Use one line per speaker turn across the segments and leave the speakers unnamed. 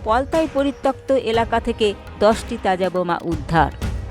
পলতায় পরিত্যক্ত এলাকা থেকে 10টি তাজা বোমা উদ্ধার।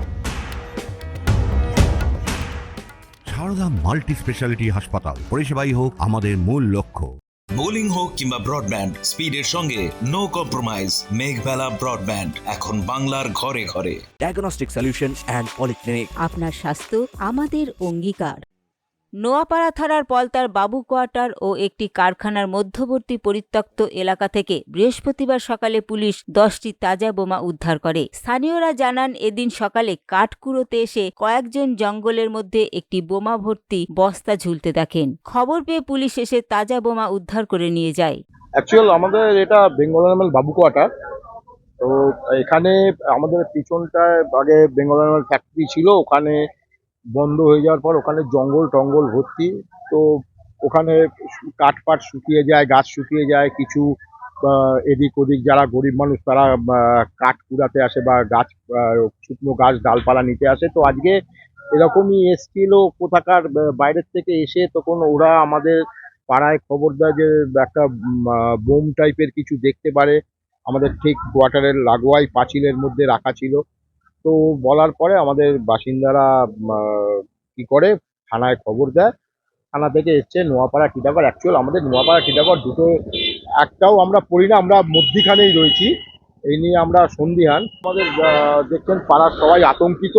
সারদা মাল্টি স্পেশালিটি হাসপাতাল, পরিষেবাই হোক আমাদের মূল লক্ষ্য।
বোলিং হোক কিংবা ব্রডব্যান্ড, স্পিডের সঙ্গে নো কম্প্রোমাইজ। মেঘবেলা ব্রডব্যান্ড এখন বাংলার ঘরে ঘরে।
Diagnostic solution and polyclinic.
আপনার স্বাস্থ্য আমাদের অঙ্গীকার। নোয়াপাড়া থানার পলতার বাবু কোয়ার্টার ও একটি কারখানার মধ্যবর্তী পরিত্যক্ত এলাকা থেকে বৃহস্পতিবার সকালে পুলিশ 10টি তাজা বোমা উদ্ধার করে। স্থানীয়রা জানান, এদিন সকালে কাঠ কুড়োতে এসে কয়েকজন জঙ্গলের মধ্যে একটি বোমা ভর্তি বস্তা ঝুলতে দেখেন। খবর পেয়ে পুলিশ এসে তাজা বোমা উদ্ধার করে নিয়ে যায়।
অ্যাকচুয়াল আমাদের এটা বেঙ্গল অ্যানিমাল বাবু কোয়ার্টার। তো এখানে আমাদের পিছনটায় আগে বেঙ্গল অ্যানিমাল ফ্যাক্টরি ছিল, ওখানে বন্ধ হয়ে যাওয়ার পর ওখানে জঙ্গল টঙ্গল ভর্তি। তো ওখানে কাঠ পাট শুকিয়ে যায়, গাছ শুকিয়ে যায়, কিছু এদিক ওদিক যারা গরিব মানুষ তারা কাঠ কুড়াতে আসে বা গাছ শুকনো গাছ ডালপালা নিতে আসে। তো আজকে এরকমই এসছিল কোথাকার বাইরের থেকে এসে, তখন ওরা আমাদের পাড়ায় খবর দেয় যে একটা বোম টাইপের কিছু দেখতে পারে আমাদের ঠিক কোয়ার্টারের লাগোয়াই পাঁচিলের মধ্যে রাখা ছিল। তো বলার পরে আমাদের বাসিন্দারা কি করে থানায় খবর দেয়। থানা থেকে এসছে নোয়াপাড়া টিটাগড়। অ্যাকচুয়াল আমাদের নোয়াপাড়া টিটাগড় দুটো একটাও আমরা পড়ি না, আমরা মধ্যিখানেই রয়েছি। এই নিয়ে আমরা সন্দিহান। আমাদের দেখছেন পাড়ার সবাই আতঙ্কিত।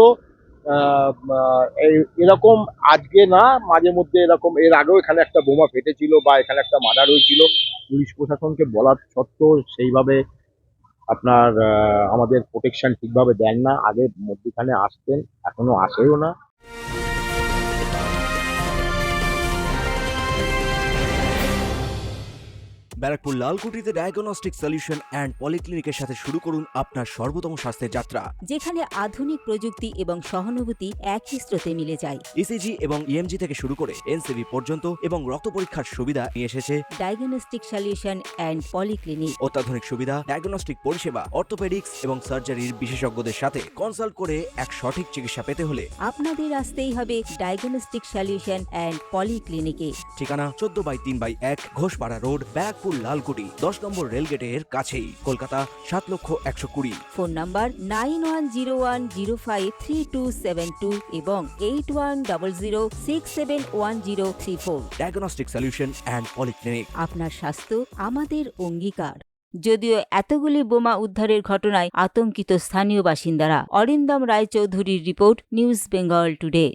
এরকম আজকে না, মাঝে মধ্যে এরকম এর আগেও এখানে একটা বোমা ফেটেছিল বা এখানে একটা মার্ডার হয়েছিল। পুলিশ প্রশাসনকে বলার সত্ত্বেও সেইভাবে আপনার আমাদের প্রোটেকশন ঠিকভাবে দেন না। আগে মধ্যখানে আসতেন, এখনো আসেও না।
ব্যারাকপুর লালকুটিতে ডায়াগনস্টিক সলিউশন অ্যান্ড পলিক্লিনিকের সাথে শুরু করুন আপনার সর্বোত্তম স্বাস্থ্যের যাত্রা,
যেখানে আধুনিক প্রযুক্তি এবং সহানুভূতি একই স্রোতে মিলে যায়।
ইসিজি এবং ইএমজি থেকে শুরু করে এনসিবি পর্যন্ত এবং রক্ত পরীক্ষার সুবিধা নিয়ে এসেছে
ডায়াগনস্টিক সলিউশন অ্যান্ড পলিক্লিনিক।
অত্যাধুনিক সুবিধা, ডায়াগনস্টিক পরিষেবা, অর্থোপেডিক্স এবং সার্জারির বিশেষজ্ঞদের সাথে কনসাল্ট করে এক সঠিক চিকিৎসা পেতে হলে
আপনাদের আসতেই হবে ডায়াগনস্টিক সলিউশন অ্যান্ড পলিক্লিনিকে।
ঠিকানা 14/3/1 ঘোষপাড়া রোড, ব্যারাকপুর লালকুটি, 10 নম্বর রেলগেটের কাছেই, কলকাতা 7,120,000।
ফোন নাম্বার 9101053272 এবং 8100671034।
Diagnostic solution and polyclinic.
আপনার স্বাস্থ্য আমাদের অঙ্গীকার। যদিও এতগুলি বোমা উদ্ধারের ঘটনায় আতঙ্কিত স্থানীয় বাসিন্দারা। অরিন্দম রায়চৌধুরীর রিপোর্ট, নিউজ বেঙ্গল টুডে।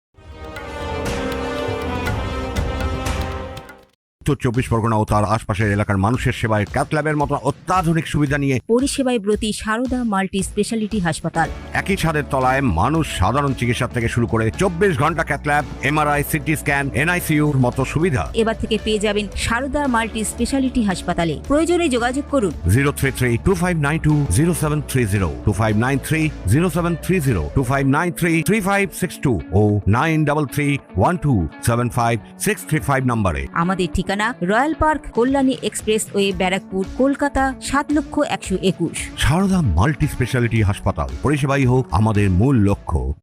উত্তর 24 পরগনা ও তার আশপাশের এলাকার মানুষের সেবায় ক্যাথ ল্যাবের মতো অত্যাধুনিক সুবিধা নিয়ে
পরিষেবায় ব্রতী সারদা মাল্টি স্পেশালিটি হাসপাতাল।
একই ছাদের তলায় মানুষ সাধারণ চিকিৎসা থেকে শুরু করে 24 ঘন্টা cath lab, MRI, CT scan, এনআইসিইউর মতো সুবিধা
এবার থেকে পেয়ে যাবেন সারদা মাল্টি স্পেশালিটি হাসপাতালে। প্রয়োজনে যোগাযোগ করুন
033-2592-0730, 2593-0730, 2593-3562 ও 9331275635 নম্বরে।
আমাদের ঠিকানা royal park, Kalyani express way, Barrackpore, Kolkata 7,121,000।
Sarada multi speciality হাসপাতাল, পরিষেবাই হোক আমাদের মূল লক্ষ্য।